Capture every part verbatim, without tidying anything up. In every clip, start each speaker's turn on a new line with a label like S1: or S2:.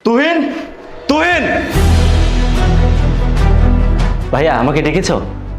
S1: তুহিন, তুহিন,
S2: ভাইয়া আমাকে ডেকেছো?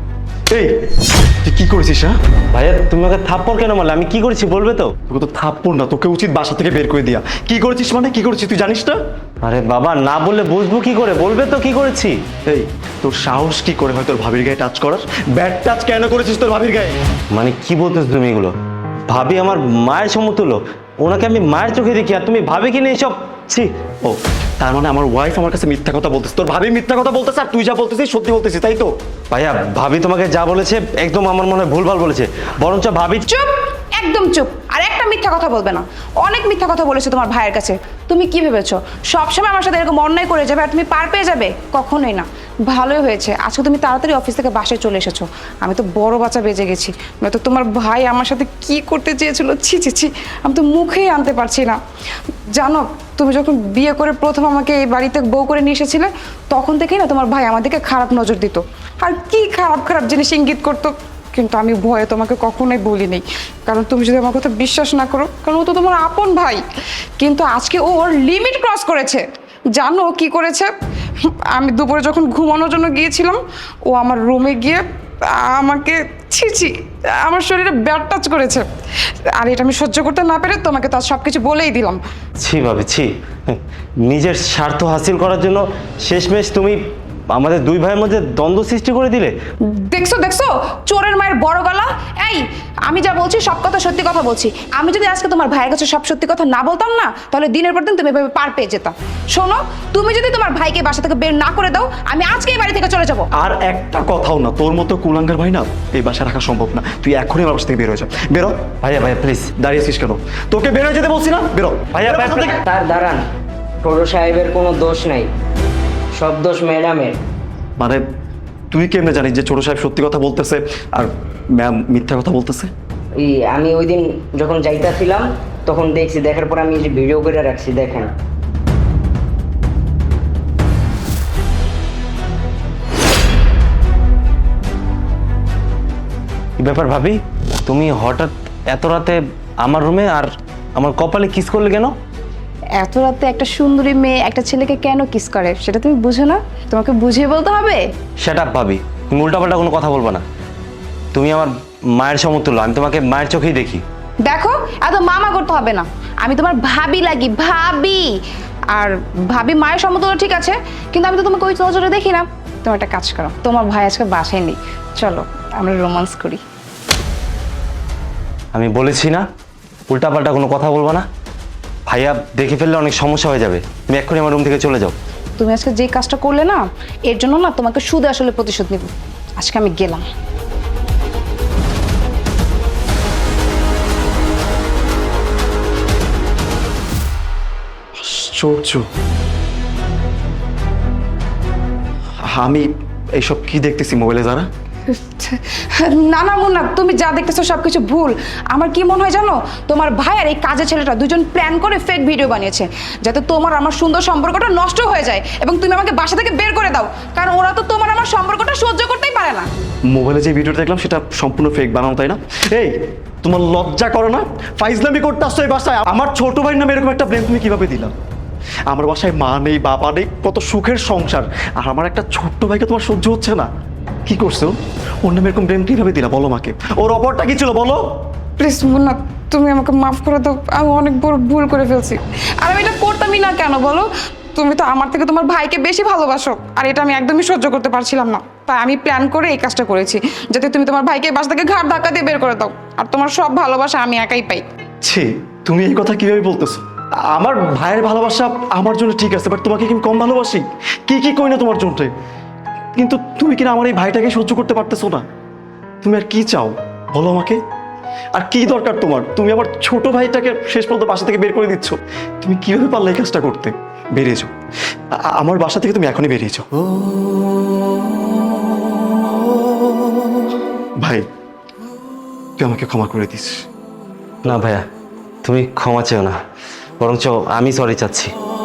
S1: এই তুই কি করেছিস? হ্যাঁ
S2: ভাইয়া তুমি আমাকে থাপ্পড় কেন মারলে? আমি কি করেছি বলবে তো?
S1: তোকে তো থাপ্পড় না, তোকে উচিত বাসা থেকে বের করে দিয়া। কি করেছিস মানে কি করেছিস তুই জানিস না?
S2: আরে বাবা, না বললে বুঝবো কি করে? বলবে তো কি করেছি।
S1: এই তোর সাহস কি করে হয় তোর ভাবির গায়ে টাচ করার? ব্যাড টাচ কেন করেছিস তোর ভাবির গায়ে?
S2: মানে কি বলতেছো তুমি এগুলো? ভাবি আমার মায়ের সমতুল্য, ওনাকে আমি মায়ের চোখে দেখি, আর তুমি ভাবে কি না এসব? ছি।
S1: ও তার মানে আমার ওয়াইফ আমার কাছে মিথ্যা কথা বলতেছে, তোর ভাবি মিথ্যা কথা বলতেছে, আর তুই যা বলতেছিস সত্যি বলতেছিস, তাই তো?
S2: ভাইয়া ভাবি তোমাকে যা বলেছে একদম আমার মনে হয় ভুলভাল বলেছে, বরঞ্চ ভাবি।
S3: চুপ, একদম চুপ। আর একটা মিথ্যা কথা বলবে না। অনেক মিথ্যা কথা বলেছে তোমার ভাইয়ের কাছে। তুমি কি ভেবেছো সবসময় আমার সাথে এরকম অন্যায় করে যাবে আর তুমি পার পেয়ে যাবে? কখনোই না। ভালোই হয়েছে আজকে তুমি তাড়াতাড়ি অফিস থেকে বাসায় চলে এসেছো। আমি তো বড় বাচ্চা বেজে গেছি, নয়তো তোমার ভাই আমার সাথে কি করতে চেয়েছিল, ছি ছি ছি, আমি তো মুখেই আনতে পারছি না। জানো, তুমি যখন বিয়ে করে প্রথম আমাকে এই বাড়িতে বউ করে নিয়ে এসেছিলে, তখন থেকেই না তোমার ভাই আমাদেরকে খারাপ নজর দিত, আর কি খারাপ খারাপ জিনিস ইঙ্গিত করতো। কিন্তু আমি ভয়ে তোমাকে কখনোই বলিনি, কারণ তুমি যদি আমার কথা বিশ্বাস না করো, কারণ ও তো তোমার আপন ভাই। কিন্তু আজকে ও ওর লিমিট ক্রস করেছে। জানো কি করেছে? আমি দুপুরে যখন ঘুমানোর জন্য গিয়েছিলাম, ও আমার রুমে গিয়ে আমাকে ছি ছি আমার শরীরে ব্যাড টাচ করেছে। আর এটা আমি সহ্য করতে না পেরে তোমাকে তো সব কিছু বলেই দিলাম।
S2: ছি ভাবি ছি, নিজের স্বার্থ হাসিল করার জন্য শেষমেশ তুমি আমাদের দুই ভাইয়ের মধ্যে দ্বন্দ্ব সৃষ্টি করে দিলে।
S3: দেখছো দেখছো চোরের মায়ের বড় গলা। এই আমি যা বলছি সব কথা সত্যি কথা বলছি। আমি যদি আজকে তোমার ভাইয়ের কাছে সব সত্যি কথা না বলতাম না, তাহলে দিনের পর দিন তুমি এভাবে পার পেয়ে যেতাম। শোনো, তুমি যদি তোমার ভাইকে বাসা থেকে বের না করে দাও, আমি আজকে এই বাড়ি থেকে চলে যাবো।
S1: আর একটা কথাও না, তোর মতো কুলাঙ্গার ভাই না এই বাসায় রাখা সম্ভব না। তুই এখনই আমার বাসা থেকে বের হয়ে যা। বেরো।
S2: ভাইয়া ভাইয়া প্লিজ।
S1: দাঁড়িয়েছিস কেন? তোকে বের হয়ে যেতে বলছি না, বেরো।
S2: ভাইয়া,
S1: বেরো
S2: ভাইয়া,
S1: বাসা থেকে।
S4: তার দাঁড়ান, ছোট সাহেবের কোনো দোষ নাই, সব দোষ ম্যাডামের।
S1: মানে তুই কেমনে জানিস যে ছোট সাহেব সত্যি কথা বলতেছে আর ম্যাম মিথ্যা কথা বলতেছে?
S4: এই আমি ওই দিন যখন যাইতাছিলাম তখন দেখছি, দেখার পর আমি এই যে ভিডিও করে রাখছি, দেখেন।
S2: কি ব্যাপার ভাবি, তুমি হঠাৎ এত রাতে আমার রুমে আর আমার কপালে কিস করলে কেন?
S3: এত রাতে একটা সুন্দরী মেয়ে একটা ছেলেকে কেন কিস করে সেটা তুমি বুঝো না? তোমাকে বুঝিয়ে বলতে হবে?
S2: সেট আপ ভাবি, তুমি উল্টাপাল্টা কোনো কথা বলবো না। তুমি আমার মায়ের সমতুল্য, আমি তোমাকে মায়ের চোখেই দেখি।
S3: দেখো, এত মামা করতে হবে না। আমি তোমার ভাবি লাগি, ভাবি। আর ভাবি মায়ের সমতুল্য ঠিক আছে, কিন্তু আমি তো তোমাকে ওই নজরে দেখি না। তোমার একটা কাজ করো, তোমার ভাই আজকে বাসায় নেই, চলো আমরা রোমান্স করি।
S2: আমি বলেছি না উল্টাপাল্টা কোনো কথা বলবো না। ভাইয়া দেখে ফেললে অনেক সমস্যা হয়ে যাবে। তুমি এক্ষুনি আমার রুম থেকে চলে যাও।
S3: তুমি আজকে যে কাজটা করলে না, এর জন্য না তোমাকে সুদে আসলে প্রতিশোধ নিব। আজকে আমি গেলাম।
S1: আশ্চর্য, আমি এইসব কি দেখতেছি মোবাইলে যারা?
S3: না না মুন্না, তুমি যা দেখতেছো সবকিছু ভুল। আমার কি মনে হয় জানো, তোমার ভাই আর এই কাজের ছেলেটা দুজন প্ল্যান করে ফেক ভিডিও বানিয়েছে, যাতে তোমার আমার সুন্দর সম্পর্কটা নষ্ট হয়ে যায় এবং তুমি আমাকে বাসা থেকে বের করে দাও। কারণ ওরা তো তোমার আমার সম্পর্কটা সহ্য করতেই পারে না।
S1: মোবাইলে যে ভিডিওটা দেখলাম সেটা সম্পূর্ণ ফেক বানানো, তাই না? এই তোমার লজ্জা করো না? ফাইজলামি করতে আসছো এই বাসায়? আমার ছোট ভাই নামে এরকম একটা ব্লেম তুমি কিভাবে দিলা? আমার বাসায় মা নেই, বাবা নেই, কত সুখের সংসার, আর আমার একটা ছোট্ট ভাইকে তোমার সহ্য হচ্ছে না? কি করছো? ওর নামে এরকম ব্লেম কিভাবে দিলা বলো মাকে? ওর অপরটা কি ছিল বলো?
S3: প্লিজ মুন্না, তুমি আমাকে মাফ করে দাও। আমি অনেক বড় ভুল করে ফেলছি। আর আমি এটা করতামই না কেন বলো? তুমি তো আমার থেকে তোমার ভাইকে বেশি ভালোবাসো, আর এটা আমি একদমই সহ্য করতে পারছিলাম না। তাই আমি প্ল্যান করে এই কাজটা করেছি, যাতে তুমি তোমার ভাইকে বাসা থেকে ঘাট ধাক্কা দিয়ে বের করে দাও, আর তোমার সব ভালোবাসা আমি একাই পাই।
S1: ছি, তুমি এই কথা কিভাবে বলতেছো? আমার ভাইয়ের ভালোবাসা আমার জন্য ঠিক আছে, বাট তোমাকে কি আমি কম ভালোবাসি? কি কি কই না তোমার জন্য, কিন্তু তুমি কিনা আমার এই ভাইটাকে সহ্য করতে পারতেছো না। তুমি আর কি চাও বলো আমাকে? আর কি দরকার তোমার? তুমি আমার ছোট ভাইটাকে শেষ পর্যন্ত বাসা থেকে বের করে দিচ্ছ। তুমি কিভাবে পারলে এই কাজটা করতে? বেরিয়ে যাও, আ- আমার বাসা থেকে তুমি এখনই বেরিয়ে যাও। ভাই, তুই আমাকে ক্ষমা করে দিস।
S2: না ভাইয়া, তুমি ক্ষমা চেও না, বরঞ্চ আমি সরি চাচ্ছি।